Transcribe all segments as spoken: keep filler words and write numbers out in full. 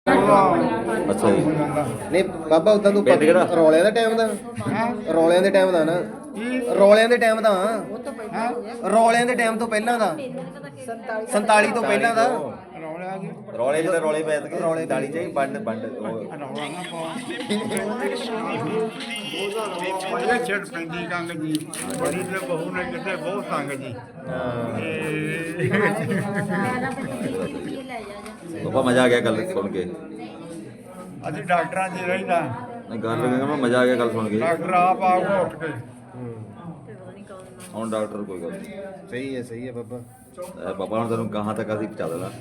ਅੱਛਾ ਜੀ। ਨਹੀਂ ਬਾਬਾ ਉਦਾਂ ਤੂੰ ਪਿੰਡ ਕਿਹੜਾ? ਰੌਲਿਆਂ ਦੇ ਟਾਈਮ ਦਾ ਰੌਲਿਆਂ ਦੇ ਟਾਈਮ ਦਾ ਨਾ ਰੌਲਿਆਂ ਦੇ ਟਾਈਮ ਦਾ ਰੌਲਿਆਂ ਦੇ ਟਾਈਮ ਤੋਂ ਪਹਿਲਾਂ ਦਾ ਸੰਤਾਲੀ ਤੋਂ ਪਹਿਲਾਂ ਦਾ ਰੌਲੇ ਜਿਹੇ ਰੌਲੇ ਪੈ ਕੇ ਰੌਲੇ ਦਾਲੀ ਚਾਹੀ ਬੰਡ ਬੰਡ ਇਹ ਛੇੜ ਪੈਂਦੀ ਕੰਗ ਜੀ ਬੜੀ ਤੇ ਬਹੂ ਨੇ ਕਿਤੇ ਬਹੁਤ ਸੰਗ ਜੀ ਬਾਬਾ ਮਜ਼ਾ ਆ ਗਿਆ ਗੱਲ ਸੁਣ ਕੇ। ਅਸੀਂ ਡਾਕਟਰਾਂ 'ਚ ਰਹਿੰਦਾ ਨਹੀਂ ਗੱਲ ਕਹਿੰਦਾ ਮੈਂ ਮਜ਼ਾ ਆ ਗਿਆ ਗੱਲ ਸੁਣ ਕੇ। ਡਾਕਟਰ ਆਪ ਆ ਕੇ ਉੱਠ ਕੇ ਹੁਣ ਡਾਕਟਰ ਕੋਈ ਗੱਲ ਨਹੀਂ। ਸਹੀ ਹੈ ਸਹੀ ਹੈ ਬਾਬਾ। ਇਹ ਬਾਬਾ ਹੁਣ ਤੈਨੂੰ ਕਹਾਂ ਤੱਕ ਅਸੀਂ ਪਹੁੰਚਾ ਦੇਣਾ।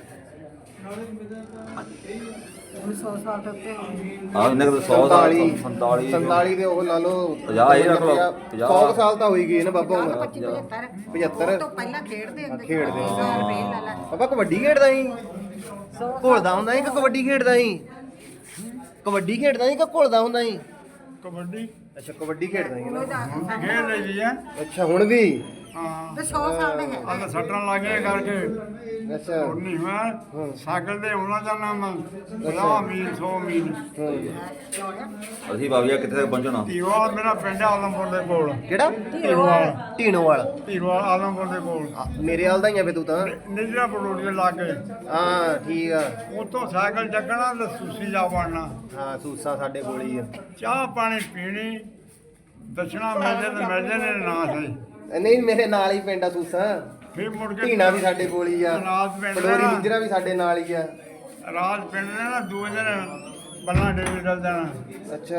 ਆ ਇਹਨੇ ਤਾਂ ਸੌ ਸਾਲ ਸੰਤਾਲੀ ਸੰਤਾਲੀ ਦੇ ਉਹ ਲਾ ਲਓ ਪੰਜਾਹ ਇਹ ਰੱਖ ਲਓ ਪੰਜਾਹ ਸੌ ਸਾਲ ਤਾਂ ਹੋਈ ਗਈ ਨਾ ਬਾਬਾ ਉਮਰ ਪਝੱਤਰ ਤੋਂ ਪਹਿਲਾਂ ਖੇਡਦੇ ਹੁੰਦੇ ਖੇਡਦੇ ਸੀ। ਸੌ ਰੁਪਏ ਲੈ ਲੈ। ਬਾਬਾ ਕਬੱਡੀ ਖੇਡਦਾ ਸੀ ਘੁਲਦਾ ਹੁੰਦਾ ਸੀ ਕਿ ਕਬੱਡੀ ਖੇਡਦਾ ਸੀ ਕਬੱਡੀ ਖੇਡਦਾ ਸੀ ਕਿ ਘੁਲਦਾ ਹੁੰਦਾ ਸੀ ਕਬੱਡੀ ਅੱਛਾ ਕਬੱਡੀ ਖੇਡਦਾ ਸੀ ਨਾ ਖੇਡ ਲਈ ਦੀ ਹੈ ਅੱਛਾ ਹੁਣ ਵੀ ਹਾਂ ਤੇ ਸੌ ਸਾਲ ਦੇ ਹੈ। ਆ ਤਾਂ ਸੱਟਾਂ ਲੱਗੀਆਂ ਕਰਕੇ ਅੱਛਾ ਹੁਣ ਨਹੀਂ ਮੈਂ ਸਾਈਕਲ ਤੇ ਆਉਣਾ ਜਾਣਾ ਮੈਂ ਪੰਜਾਹ ਮੀਲ ਸੌ ਮੀਲ ਅਸੀਂ ਬਾਬਿਆ ਕਿੱਥੇ ਤੱਕ ਪਹੁੰਚਣਾ? ਧੀਰਵਾਲ ਮੇਰਾ ਪਿੰਡ ਹੈ ਆਲਮਪੁਰ ਦੇ ਕੋਲ ਕਿਹੜਾ ਧੀਰਵਾਲ ਢੀਣੋਵਾਲ ਧੀਰਵਾਲ ਆਲਮਪੁਰ ਦੇ ਕੋਲ ਆ, ਮੇਰੇ ਹਾਲ ਦਾ ਹੀ ਆ ਫੇ ਤੂੰ ਤਾਂ ਨਿਜਰਾ ਪਰੋੜੀ ਦੇ ਲਾਗੇ ਹਾਂ ਠੀਕ ਆ ਉੱਥੋਂ ਸਾਈਕਲ ਚੱਕਣਾ ਤੇ ਸੁਸੀ ਜਾ ਵੜਨਾ ਹਾਂ ਸੂਸਾ ਸਾਡੇ ਕੋਲ ਹੀ ਆ ਚਾਹ ਪਾਣੀ ਪੀਣੀ ਦਸ਼ਣਾ ਮਿਲਦੇ ਤੇ ਮਿਲਦੇ ਨੇ ਨਾ ਸਹੀ ਨਹੀਂ ਮੇਰੇ ਨਾਲ ਹੀ ਪਿੰਡ ਆ ਸੂਸਾ ਫਿਰ ਮੁੜ ਕੇ ਢੀਣਾ ਵੀ ਸਾਡੇ ਕੋਲ ਹੀ ਆ ਰਾਤ ਪਿੰਡ ਪਲੋਰੀ ਦਾ ਨਿਜਰਾ ਵੀ ਸਾਡੇ ਨਾਲ ਹੀ ਆ ਰਾਤ ਪਿੰਡ ਦੇ ਨਾ ਦੂਏ ਦਿਨ ਬੱਲਾ ਡੇਵੀ ਡਲ ਜਾਣਾ ਅੱਛਾ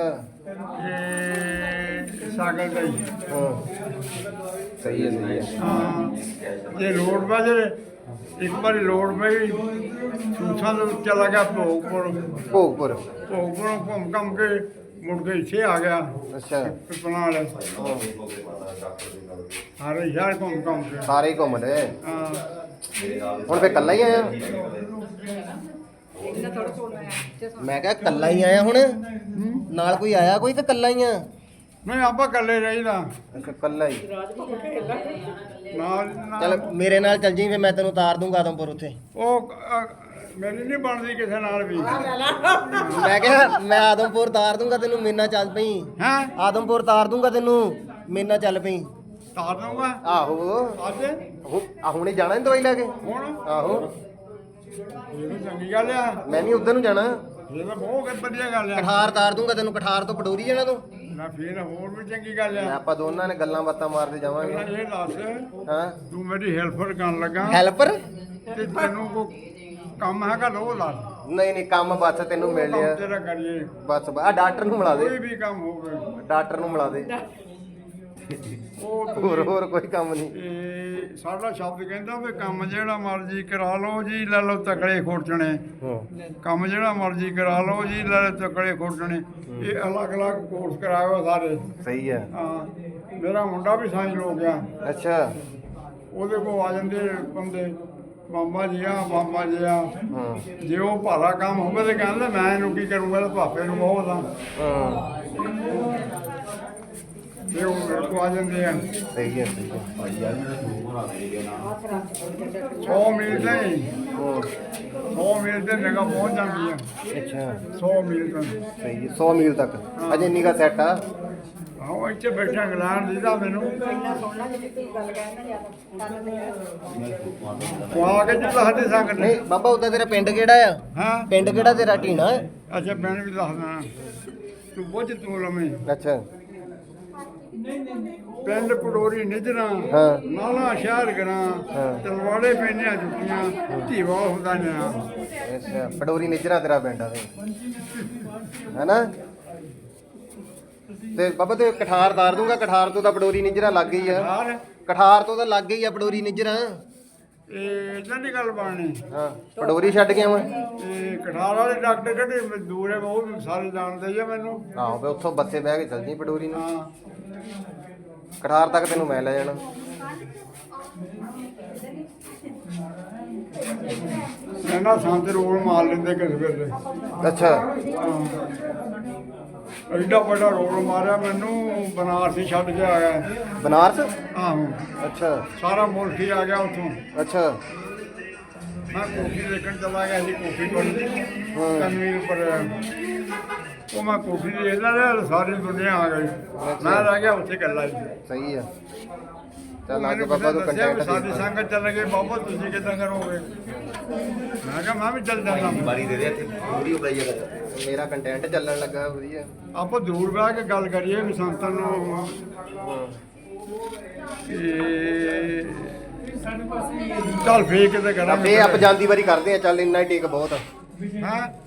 ਇਹ ਸਾਈਕਲ ਤੇ ਹੀ। ਹਾਂ ਸਹੀ ਹੈ ਸਹੀ ਹੈ ਹਾਂ ਜੇ ਲੋੜ ਪੈ ਜੇ ਇੱਕ ਵਾਰੀ ਲੋੜ ਪਈ ਸੂਸਾਂ ਦੇ ਵਿੱਚ ਚਲਾ ਗਿਆ ਭੋਗਪੁਰ ਭੋਗਪੁਰ ਭੋਗਪੁਰੋਂ ਘੁੰਮ ਘੰਮ ਕੇ ਮੁੜ ਕੇ ਇੱਥੇ ਆ ਗਿਆ ਅੱਛਾ ਪਿਪਲਾਂ ਵਾਲੇ ਸਾਰੇ ਸ਼ਹਿਰ ਘੁੰਮ ਘੰਮ ਕੇ ਸਾਰੇ ਹੀ ਘੁੰਮ ਲਏ ਹਾਂ ਹੁਣ ਫੇ ਕੱਲਾ ਹੀ ਆਇਆ ਮੈਂ ਕਿਹਾ ਕੱਲਾ ਹੀ ਆਇਆ ਹੁਣ ਨਾਲ ਕੋਈ ਆਇਆ ਕੋਈ ਕਿ ਕੱਲਾ ਹੀ ਆ ਨਹੀਂ ਆਪਾਂ ਇਕੱਲੇ ਰਹੀਦਾ ਅੱਛਾ ਕੱਲਾ ਹੀ ਨਾਲ ਚੱਲ ਨਾਲ ਮੇਰੇ ਨਾਲ ਚੱਲ ਜੀ ਫੇ ਮੈਂ ਤੈਨੂੰ ਉਤਾਰ ਦੂੰਗਾ ਆਦਮਪੁਰ ਉੱਥੇ ਉਹ ਅ, ਮੇਰੀ ਨਹੀਂ ਬਣਦੀ ਕਿਸੇ ਨਾਲ ਵੀ ਮੈਂ ਕਿਹਾ ਮੈਂ ਆਦਮਪੁਰ ਉਤਾਰ ਦੂੰਗਾ ਤੈਨੂੰ ਮੇਰੇ ਨਾਲ ਚੱਲ ਪਈ ਹੈਂ ਆਦਮਪੁਰ ਉਤਾਰ ਦੂੰਗਾ ਤੈਨੂੰ ਮੇਰੇ ਨਾਲ ਚੱਲ ਪਈ ਤਾਰ ਦਊਂਗਾ ਆਹੋ ਅੱਜ ਹੁ- ਆ ਹੁਣੇ ਜਾਣਾ ਨੀ ਦਵਾਈ ਲੈ ਕੇ ਹੁਣ ਆਹੋ ਇਹ ਤਾਂ ਚੰਗੀ ਗੱਲ ਆ ਮੈਂ ਵੀ ਉਧਰ ਨੂੰ ਜਾਣਾ ਇਹ ਤਾਂ ਬਹੁਤ ਵਧੀਆ ਗੱਲ ਆ ਕਠਾਰ ਤਾਰ ਦੂੰਗਾ ਤੈਨੂੰ ਕਠਾਰ ਤੋਂ ਪਟੋਰੀ ਜਾਣਾ ਤੂੰ ਨਾ ਫਿਰ ਹੋਰ ਵੀ ਚੰਗੀ ਗੱਲ ਮੈਂ ਆ ਆਪਾਂ ਦੋਨਾਂ ਨੇ ਗੱਲਾਂ ਬਾਤਾਂ ਮਾਰਦੇ ਜਾਵਾਂਗੇ ਪਹਿਲਾਂ ਇਹ ਦੱਸ ਹਾਂ ਤੂੰ ਮੇਰੀ ਹੈਲਪਰ ਕਰਨ ਲੱਗਾ ਹੈਲਪਰ ਤੇ ਤੈਨੂੰ ਕੋ ਕੰਮ ਹੈਗਾ ਲੋ ਦੱਸ ਨਹੀਂ ਨਹੀਂ ਕੰਮ ਬਸ ਤੈਨੂੰ ਮਿਲ ਕੰਮ ਲਿਆ ਤੇਰਾ ਕਰੀਏ ਬਸ ਆ ਡਾਕਟਰ ਨੂੰ ਮਿਲਾ ਕੋਈ ਦੇ ਵੀ ਕੰਮ ਹੋਵੇ ਡਾਕਟਰ ਨੂੰ ਮਿਲਾ ਦੇ ਉਹ ਹੋਰ ਹੋਰ ਕੋਈ ਕੰਮ ਨਹੀਂ ਇਹ ਸਾਡਾ ਸ਼ਬਦ ਕਹਿੰਦਾ ਵੀ ਕੰਮ ਜਿਹੜਾ ਮਰਜ਼ੀ ਕਰਾ ਲਓ ਜੀ ਲੈ ਲਓ ਤਕੜੇ ਖੋਟਣੇ ਹਾਂ ਕੰਮ ਜਿਹੜਾ ਮਰਜ਼ੀ ਕਰਾ ਲਓ ਜੀ ਲੈ ਲਓ ਤਕੜੇ ਖੋਟਣੇ ਇਹ ਅਲੱਗ-ਅਲੱਗ ਕੋਰਸ ਕਰਾਇਓ ਸਾਰੇ ਸਹੀ ਹੈ ਹਾਂ ਮੇਰਾ ਮੁੰਡਾ ਵੀ ਸਾਇੰਸ ਹੋ ਗਿਆ ਅੱਛਾ ਉਹਦੇ ਕੋਲ ਆ ਜਾਂਦੇ ਬੰਦੇ ਮਾਮਾ ਜੀ ਆ ਮਾਮਾ ਜੀ ਆ ਹਾਂ ਜੇ ਉਹ ਭਾਰਾ ਕੰਮ ਹੋਵੇ ਤੇ ਕਹਿੰਦਾ ਮੈਂ ਇਹਨੂੰ ਕੀ ਕਰੂੰਗਾ ਤੇ ਭਾਪੇ ਨੂੰ ਬਹੁਤ ਆ ਹਾਂ ਤੇ ਉਹ ਮੇਰੇ ਕੋਲ ਆ ਜਾਂਦੇ ਆ ਸਹੀ ਹੈ ਸਹੀ ਹੈ ਸੌ ਮੀਲ ਤੇ ਹੀ, ਹਾਂ ਸੌ ਮੀਲ ਤੇ ਨਿਗਾਹ ਪਹੁੰਚ ਜਾਂਦੀ ਆ ਅੱਛਾ ਸੌ ਮੀਲ ਤੋਂ ਸਹੀ ਹੈ ਸੌ ਮੀਲ ਤੱਕ ਅਜੇ ਨਿਗਾ ਸੈੱਟ ਆ ਆਹੋ ਇੱਥੇ ਬੈਠਾ ਇੰਗਲੈਂਡ ਦੀਦਾ ਮੈਨੂੰ ਉਹ ਆ ਕੇ ਜੀ ਦੱਸਦੇ ਸਕਦੇ ਨਹੀਂ ਬਾਬਾ ਉਦਾਂ ਤੇਰਾ ਪਿੰਡ ਕਿਹੜਾ ਆ ਹਾਂ ਪਿੰਡ ਕਿਹੜਾ ਤੇਰਾ ਢੀਣਾ ਅੱਛਾ ਪਿੰਡ ਵੀ ਦੱਸਦਾ ਤੂੰ ਬੁੱਝ ਤੂੰ ਲਵੇਂ ਅੱਛਾ ਪਿੰਡ ਪਡੋਰੀ ਨਿਜਰਾ ਹਾਂ ਨਾਲਾ ਸ਼ਹਿਰ ਗਰਾਂ ਹਾਂ। ਤਲਵਾੜੇ ਪੈਣੀਆਂ ਜੁੱਤੀਆਂ ਧੀਵਾ ਹੁੰਦਾ ਨੇ ਅੱਛਾ ਪਡੋਰੀ ਨਿਜਰਾ ਤੇਰਾ ਪਿੰਡ ਆ ਤੇ ਹੈਨਾ ਤੇ ਬਾਬਾ ਤੇ ਕਠਾਰ ਤਾਰ ਦੂੰਗਾ ਕਠਾਰ ਤੋਂ ਤਾਂ ਪਡੋਰੀ ਨਿਜਰਾ ਲੱਗ ਗਈ ਆ ਯਾਰ ਕਠਾਰ ਤੋਂ ਤਾਂ ਲੱਗ ਗਈ ਆ ਪਡੋਰੀ ਨਿਜਰਾ ਇਹ ਇਦਾਂ ਦੀ ਗੱਲ ਬਣਨੀ ਹਾਂ ਪਡੋਰੀ ਛੱਡ ਗਿਆ ਮੈਂ ਇਹ ਕਠਾਰ ਵਾਲੇ ਡਾਕਟਰ ਕਿਹੜੇ ਦੂਰ ਹੈ ਉਹ ਵੀ ਸਾਰੇ ਜਾਣਦੇ ਆ ਮੈਨੂੰ ਆਹੋ ਫੇ ਉੱਥੋਂ ਬੱਸੇ ਬਹਿ ਕੇ ਚੱਲ ਜੀ ਪਡੋਰੀ ਨੂੰ ਹਾਂ ਕਠਾਰ ਤੱਕ ਤੈਨੂੰ ਮੈਂ ਲੈ ਜਾਣਾ ਇਹਨਾਂ ਸੰਤ ਰੋਲ ਮਾਰ ਲੈਂਦੇ ਕਿਸੇ ਵੇਲੇ ਅੱਛਾ ਐਡਾ ਵੱਡਾ ਰੋਲ ਮਾਰਿਆ ਮੈਨੂੰ ਬਨਾਰਸੀ ਛੱਡ ਕੇ ਆ ਗਿਆ ਬਨਾਰਸ ਆਹੋ ਅੱਛਾ ਸਾਰਾ ਮੁਲਕ ਹੀ ਆ ਗਿਆ ਉੱਥੋਂ ਅੱਛਾ ਮੈਂ ਕੋਠੀ ਦੇਖਣ ਚਲਾ ਗਿਆ ਸੀ ਕੋਠੀ ਕੋਲ ਕਨਵੀਰ ਪਰ ਉਹ ਮੈਂ ਕੋਠੀ ਦੇਖਦਾ ਰਿਹਾ ਸਾਰੀ ਦੁਨੀਆ ਆ ਗਈ ਮੈਂ ਰਹਿ ਗਿਆ ਉੱਥੇ ਇਕੱਲਾ ਜੀ ਸਹੀ ਆ ਚੱਲ ਅੱਜ ਮੈਨੂੰ ਬਾਬਾ ਤੂੰ ਦੱਸਿਆ ਵੀ ਕੰਟੈਂਟ ਸਾਡੀ ਦੇ ਸੰਗਤ ਚੱਲ ਗਏ ਬਾਬਾ ਤੁਸੀਂ ਕਿੱਦਾਂ ਕਰੋਗੇ ਮੈਂ ਕਿਹਾ ਮੈਂ ਵੀ ਚੱਲ ਜਾਂਦਾ ਬਾਰੀ ਦੇ ਦੇ ਇੱਥੇ ਪੂਰੀ ਉਪਲਾਈ ਜਗ੍ਹਾ ਮੇਰਾ ਕੰਟੈਂਟ ਚੱਲਣ ਲੱਗਾ ਵਧੀਆ ਆਪਾਂ ਦੂਰ ਬਹਿ ਕੇ ਗੱਲ ਕਰੀਏ ਵੀ ਸੰਤਾਂ ਨੂੰ ਇਹ ਚੱਲ ਫੇਰ ਕਿਤੇ ਕਰਾਂਗੇ ਫੇ ਆਪ ਜਾਂਦੀ ਵਾਰੀ ਕਰਦੇ ਆ ਚੱਲ ਇੰਨਾ ਹੀ ਟੇਕ ਬਹੁਤ ਆ ਹਾਂ